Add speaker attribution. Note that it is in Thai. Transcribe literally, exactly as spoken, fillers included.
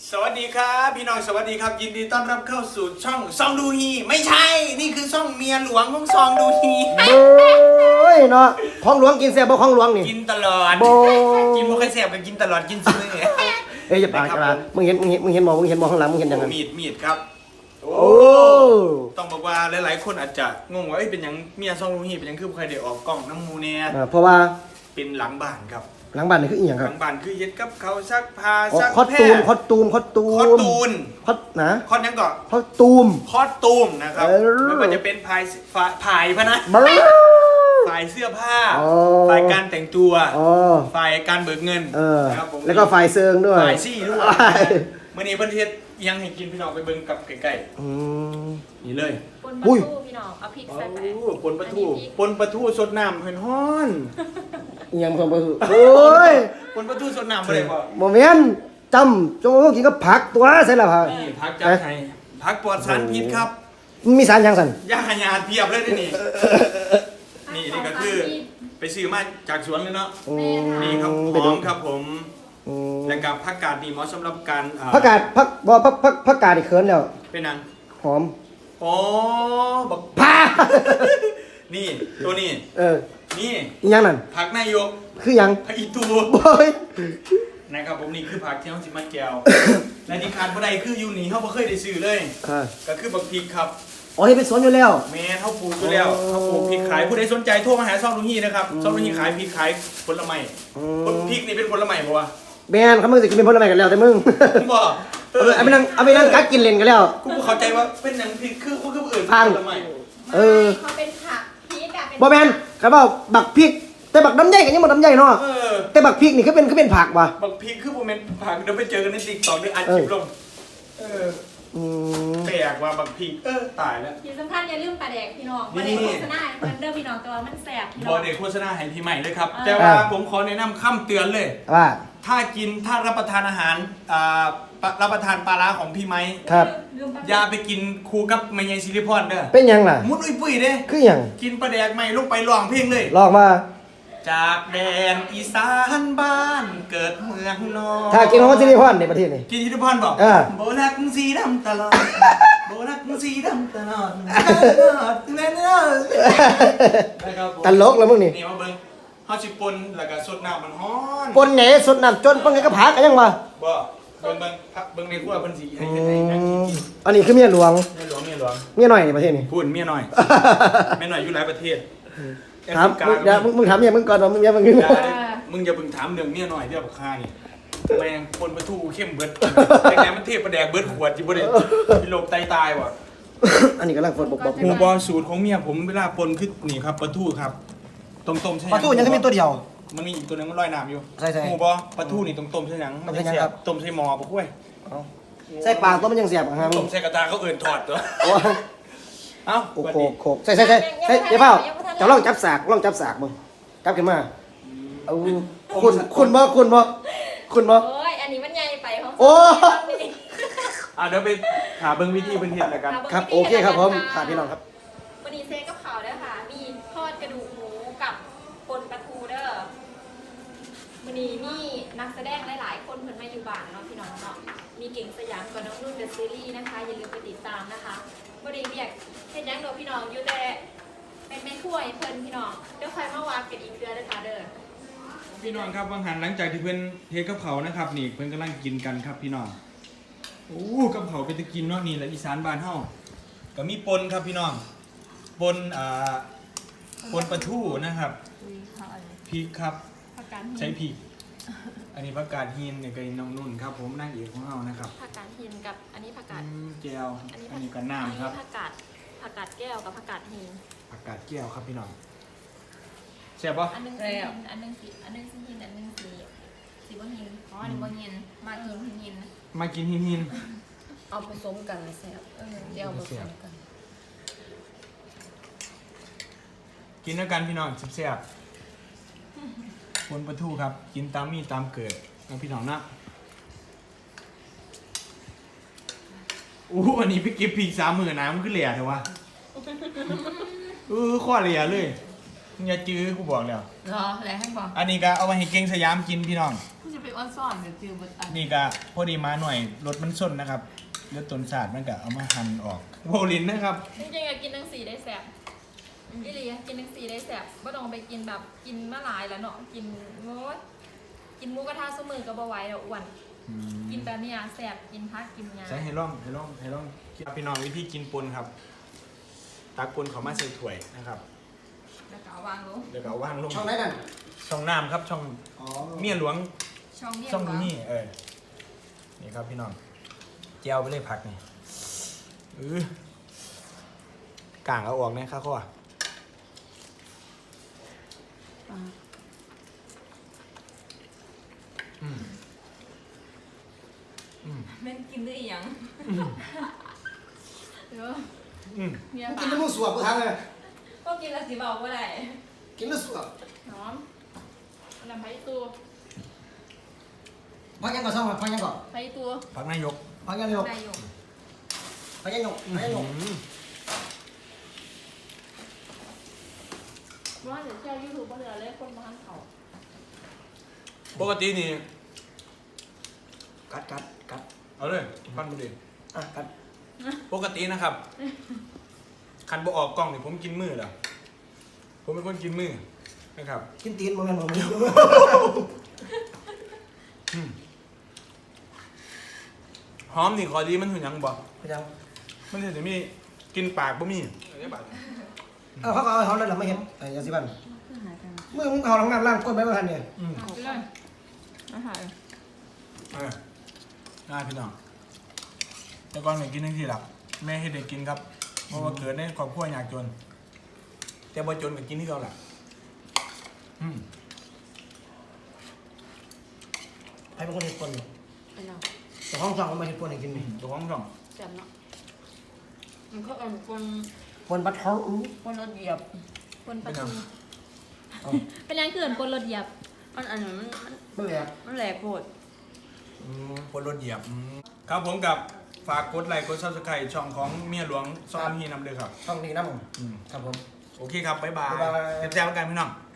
Speaker 1: สวัสดีครับพี่น้องสวัสดีครับยินดีต้อนรับเข้าสู่ช่องซองดูฮีไม่ใช่นี่คือช่องเมียหลวงของซองดูฮี
Speaker 2: โอ้ยเนาะของหลวงกินแซ่บบ่ของหลวงนี่
Speaker 1: กินตลอดกินบ่เคยแซ่บก็กินตลอดกินซื้อเนี่ย
Speaker 2: เอ้ยอย่าปากกันมึงเห็นมึงเห็นมึงเห็นหมอมึงเห็นหมอข้างหลังมึงเห็นยังไง
Speaker 1: มีดมีดครับโอ้ต้องบอกว่าหลายๆคนอาจจะงงว่าเอ้ยเป็นยังเมียซองดูฮีเป็นยังคือบ่เคยได้ออกกล้องน้ำมูเนี่ย
Speaker 2: เพราะว่า
Speaker 1: เป็นหลังบ้านครับ
Speaker 2: หลังบ้านนี่คืออีหยังค
Speaker 1: ห
Speaker 2: รับ
Speaker 1: ลังบ้านคือเย็ดกับเขาซักผ้าซัก
Speaker 2: คอสตูมคอสตูมคอสตูม
Speaker 1: คอสตูน
Speaker 2: คอสนะ
Speaker 1: คอสยังก่อน
Speaker 2: คอสตูม
Speaker 1: คอสตูมนะครับไม่ว่าจะเป็นภายภายพะนะฝ่ายเสื้อผ้าฝ่ายการแต่งตัวฝ่ายการเบิกเงิน
Speaker 2: นะครับผมแล้วก็ฝ่ายเซิงด้วย
Speaker 1: ฝ่ายซี่ด้วยเมื่อนี้ประเทศยังให้กินพี่น้องไปเบิ่งกับใกล้ๆนี่เลย
Speaker 3: ปนปลาทูพี่น้องเอาพริกใส่ไป
Speaker 1: ปนปลาทูปนปลาทูสดน้ำเห็นฮ้อน
Speaker 2: ยังปนปลาทูโอ้ย
Speaker 1: ปนปลาทูสดน้ำอะไรบ่
Speaker 2: โมเมนต์จำจงกินกับผักตัวใช่หรอครับ
Speaker 1: นี่ผักจัดให้ผักปลอดสารพิษครับ
Speaker 2: มีสารยังสัน
Speaker 1: ยาหยาดเพียบเลยนี่นี่นี่ก็คือไปซื้อมาจากสวนเลยเนาะนี่ครับหอมครับผมแล้วกับผักกาดนี่เหมาะสำหรับการ
Speaker 2: ผักกาดผักบ่ผักผักผักกาดอีกเขินแล้ว
Speaker 1: เป็นนัง
Speaker 2: หอม
Speaker 1: อ๋อบัก
Speaker 2: พา
Speaker 1: นี่ตัวนี้
Speaker 2: เออ
Speaker 1: นี่
Speaker 2: ยังนั่น
Speaker 1: ผักนายก
Speaker 2: คือยัง
Speaker 1: ผักอีตู
Speaker 2: โอ้ย
Speaker 1: นะครับผมนี่คือผักที่เขาสิมาแก้วและที่ขาดบ่ได้คืออยู่นี่เขาบ่เคยได้ซื้อเลยก็คือบักพริกครับ
Speaker 2: อ๋อที่เป็นสวนอยู่แล้ว
Speaker 1: แม่เขาปลูกอยู่แล้วเขาปลูกพริกขายผู้ใดสนใจโทรมาหาซองลุงฮีนะครับซองลุงฮีขายพริกขายผลไม้พริกนี่เป็นผลไม้ป่วะ
Speaker 2: แม่นเขามึงสิกินเป็นผลไม้กันแล้วแต่มึง
Speaker 1: บ่
Speaker 2: เออเอาไปนั่งเอาไปนั่งกัดกินเล่นกันแล้ว
Speaker 1: กูเข้าใจว่าเป็นหนังพริกคือคือคืออื่นผลไม้
Speaker 3: เออเขาเป็นผักพริกอะ
Speaker 2: บ่แม่นเขาบอกบักพริกแต่บักน้ำใหญ่กันยังบ่น้ำใหญ่เนาะแต่บักพริกนี่คือเป็นคือเป็นผักว่ะ
Speaker 1: บักพริกคือบ่แม่นผักเดี๋ยวไปเจอกันใน TikTok ได้อัดคลิปลงเอออืมแปลกว่าบักพริกเออตายแล้ว
Speaker 3: ที่สำคัญอย่าลืมปลาแดกพี่น้องบ่ได้โฆษณามันเด้อพี่น้องแต่ว่ามันแซ่บพี่น้อง
Speaker 1: บ่ได้โฆษณาให้พี่ใหม่เลยครับแต่ว่าผมขอแนะนำคำเตือนเลย
Speaker 2: ว่า
Speaker 1: ถ้ากินถ้ารับประทานอาหารอ่ารับประทานปลาร้าของพี่ไม้
Speaker 2: ครับ
Speaker 1: อย่าไปกินคู่กับแม่ยายซิลิพรเด้อ
Speaker 2: เป็นยังล่ะ
Speaker 1: มุดอุ้ยปุ้ยเด้
Speaker 2: คือยัง
Speaker 1: กินปลาแดกใหม่ลงไปร้องเพลงเลย
Speaker 2: ร้องมา
Speaker 1: จากแดนอีสานบ้านเกิดเมืองนอน
Speaker 2: ถ้ากินของซิลิพรในประเทศนี้
Speaker 1: กินซิลิพรบอกโบนักสีดำตลอดโบนักสีดำตลอด
Speaker 2: ตลกแล้วมึงนี่
Speaker 1: นี่มาเบิ้งเขาสิปนแล้วก็สดน้ำมันฮ้อน
Speaker 2: ปนไหนสดน้ำจนปนไงก็ผากันยังวะ
Speaker 1: บ่เบิ้งเบิ้งเบิ้งในครัวเพิ่นสิให้ให้นักกิน
Speaker 2: อันนี้คือเมียหลวง
Speaker 1: เมียหลวงเมียหลวง
Speaker 2: เมียหน่อยในประเทศนี้
Speaker 1: พูดเมียหน่อยเมียหน่อยอยู่หลายประเทศ
Speaker 2: ถามมึงมึงถามเมียมึงก่อนมึงเมียมึง
Speaker 1: มึงมึงอย่าเพิ่งถามเรื่องเมียหน่อยเรื่องบักฆ่านี่แมงปนปลาทูเข้มเบิดแต่แกมันเทพประแดกเบิดขวดจิบ่ได้พี่โลกตายตายว่ะ
Speaker 2: อันนี้กำลังฝนบกบอก
Speaker 1: หมูบอสูตรของเมียผมเวลาปนคือนี่ครับปลาทูครับต้มๆใช่ไหม
Speaker 2: ปลาทูยังแค่มีตัวเดียว
Speaker 1: มันมีอีกตัวนึงมันลอยน้ำอยู่
Speaker 2: ใช่ใช่
Speaker 1: หมูบอปลาทูนี่ต้มๆใช่ยัง
Speaker 2: ต้มใช่ยังครับ
Speaker 1: ต้มใส่หม้อปะกล้วย
Speaker 2: ใส่ปากตัวมันยังเสียบครับ
Speaker 1: ต้มใส่กระทะเขาเอื่นถอดตัวเอ้า
Speaker 2: โคกโคกใส่ใส่ใส่ใส่เดี๋ยวเปล่าจะลองจับสากลองจับสากมึงจับขึ้นมาเอาคุณคุณบ่คุณบ่คุณบ่
Speaker 3: โอ้ยอันนี้มันใหญ่ไปของ
Speaker 2: โอ้
Speaker 1: อ่ะเดี๋ยวไปหาเบิ้งวิธีเบิ้งเห็ดอะไรกัน
Speaker 2: ครับโอเคครับผมค่ะพี่น้องครับ
Speaker 3: วันนี้เซกับข่าวเด้อค่ะมีทอดกระดูกหมูกับปนปลาทูเด้อวันนี้มีนักแสดงหลายๆคนเพิ่นมาอยู่บ้านเนาะพี่น้องเนาะมีเก่งสยามกับน้องนุ่นเดอะซีรีส์นะคะอย่าลืมไปติดตามนะคะบ่ได้เรียกเฮ็ดหยังดอกพี่น้องอยู่แต่เป็นแม่ครัวให้เพิ่นพี่น้องเดี๋ยวค่อยมาวางกันอีกเดือนเด้อค่ะเด้อ
Speaker 1: พี่น้องครับบางหันหลังจากที่เพิ่นเทกับเขานะครับนี่เพิ่นกำลังกินกันครับพี่น้องโอ้กับเขาเป็นตะกินเนาะนี่แหละอีสานบ้านเฮาก็มีปนครับพี่น้องปนอ่าปนปลาทูนะครับพริกครับใช้พริกอันนี้ผักกาดหินเนี่ยก็น้องนุ่นครับผมนางเอกของเฮานะครับ
Speaker 3: ผักกาดหินกับอันนี้ผักกาด
Speaker 1: แก้วอันนี้ก็น้ำครับ
Speaker 3: ผักกาดผักกาดแก้วกับผักกาดหิน
Speaker 1: ผักกาดแก้วครับพี่น้องแซ่บปะ
Speaker 3: อันนึงสีอันนึงสีอันนึงสีหินอันนึงสีสีบ่หินอ๋ออันนี้บ่หินมากินหิน
Speaker 1: มากินหินหิน
Speaker 3: เอาผสมกันเลยแซ่บเออเดี๋ยวผสมกัน
Speaker 1: กินด้วยกันพี่น้องแซ่บปนปลาทูครับกินตามมีตามเกิดนะพี่น้องนะอู้วันนี้พี่กิฟพีสามหมื่นน้ำมันขึ้นเหลี่ยเถอะวะเออข้อเหลี่ยเลยมึงอย่าจื้อกูบอกแล้ว
Speaker 3: รอแล้วให้บอก
Speaker 1: อันนี้ก็เอาไปให้เก่งสยามกินพี่น้อง
Speaker 3: จะไป
Speaker 4: เป็นอ้อนซ่อนเดี๋ยวจือเบิดอัน
Speaker 1: นี่ก็พอดีมาหน่อยรสมันส้นนะครับเลือดต้นสาดมันก็เอามาหั่นออกโบลินนะครับ
Speaker 3: จริงๆอะกินทั้งสีได้แสบอีหลีอะกินทั้งสีได้แสบไม่ต้องไปกินแบบกินมะหลายแล้วเนาะกินโอ้ยกินหมูกระทะสมือก็บ่ไหวแล้วอ้วนกินแต่เนี่ยแสบกินพักกินงา
Speaker 1: ใช้ให้ร่องให้ร่องให้ร่องครับพี่น้องวิธีกินปนครับตักปนเขามาใส่ถ้วยนะครับ
Speaker 3: แล้วก็เอาวางลง
Speaker 1: เดี๋ยวก็เอาว่างลง
Speaker 2: ช่องไหนนั่น
Speaker 1: ช่องน้ำครับช่อง
Speaker 2: อ๋อ
Speaker 1: เมียหลวง
Speaker 3: ช่องเนี่ย
Speaker 1: ช่องนี้เออนี่ครับพี่น้องเจียวไปเลยผักนี่เออกางเอาออกนะข้าวข้ออืมอืม
Speaker 3: แม่นกินได้อีหยังเดี๋ยว
Speaker 1: อืม
Speaker 3: เมีย
Speaker 2: กิ
Speaker 3: ปาน
Speaker 2: น้ำมันสวบกูทางเลย
Speaker 3: ก็กินแล้วสิเบาบ่ได้
Speaker 2: กินแล้วสวบ
Speaker 3: หอมอันน้ำไผ่ตัว
Speaker 2: พักยังก่อนซ่องพักยังก่อน
Speaker 3: ไผ่ตัว
Speaker 1: ผักนายก
Speaker 2: พักยังเร็ว
Speaker 3: ได้อยู่
Speaker 2: พักยังหยกพักยังหยก
Speaker 1: อืม
Speaker 3: ว่าเดี๋ยวแช่ยูทูบบ่เหลือเลยคนมาหันเขา
Speaker 1: ปกตินี่
Speaker 2: กัดกัดกัด
Speaker 1: เอาเลยปั้นมาดิ
Speaker 2: อ่ะกัด
Speaker 1: ปกตินะครับ คันบ่ออกกล้องนี่ผมกินมือเหรอผมเป็นคนกินมือนะครับ
Speaker 2: กินตีนโมเมนต์ผม
Speaker 1: อืมหอมนี่ขอดีมันหุ่นยังบ่
Speaker 2: พยายาม
Speaker 1: มันจะมีกินปากบ่มี
Speaker 2: เออเขาก็เอาเขาเลยหรอไม่เห็นไอ้ยาสีฟันมือมึงเอาหลังน้ำล่างก้นไปไม่ทันเนี่ย
Speaker 1: อืม
Speaker 3: เอาไปเลยอาหาร
Speaker 1: เออน่าพี่น้องแต่ก่อนเนี่ยกินทั้งที่หลับแม่ให้เด็กกินครับเพราะว่าเกิดในครอบครัวยากจน แต่บ่จนก็กินที่เขาแหละอืม
Speaker 2: ใครเป็นคนเห็ดปน
Speaker 4: ไอ้เนาะ
Speaker 2: แต่ห้องช่องมันมาเห็ดปนให้กินนี่
Speaker 1: ตัวของช่อง
Speaker 4: แซ่บเนาะมันก็อ่อนคน
Speaker 2: ปนบัตเทาอู้
Speaker 4: คนรถเหยียบ
Speaker 3: คนประตูเป็นยังเกินคนรถเหยียบ
Speaker 4: มันอันนั้นมันมัน
Speaker 2: ไม่แหลก
Speaker 4: มันแหลกโพด
Speaker 1: อืมคนรถเหยียบอืมครับผมกับฝากกดไลค์กดซับสไครต์ช่องของเมียหลวงซ่อนฮีนำเลยครับ
Speaker 2: ช่องนี้นะผม
Speaker 1: อืม
Speaker 2: ครับผม
Speaker 1: โอเคครับ บ๊ายบาย
Speaker 2: บ๊ายบาย
Speaker 1: เจอกันพี่น้อง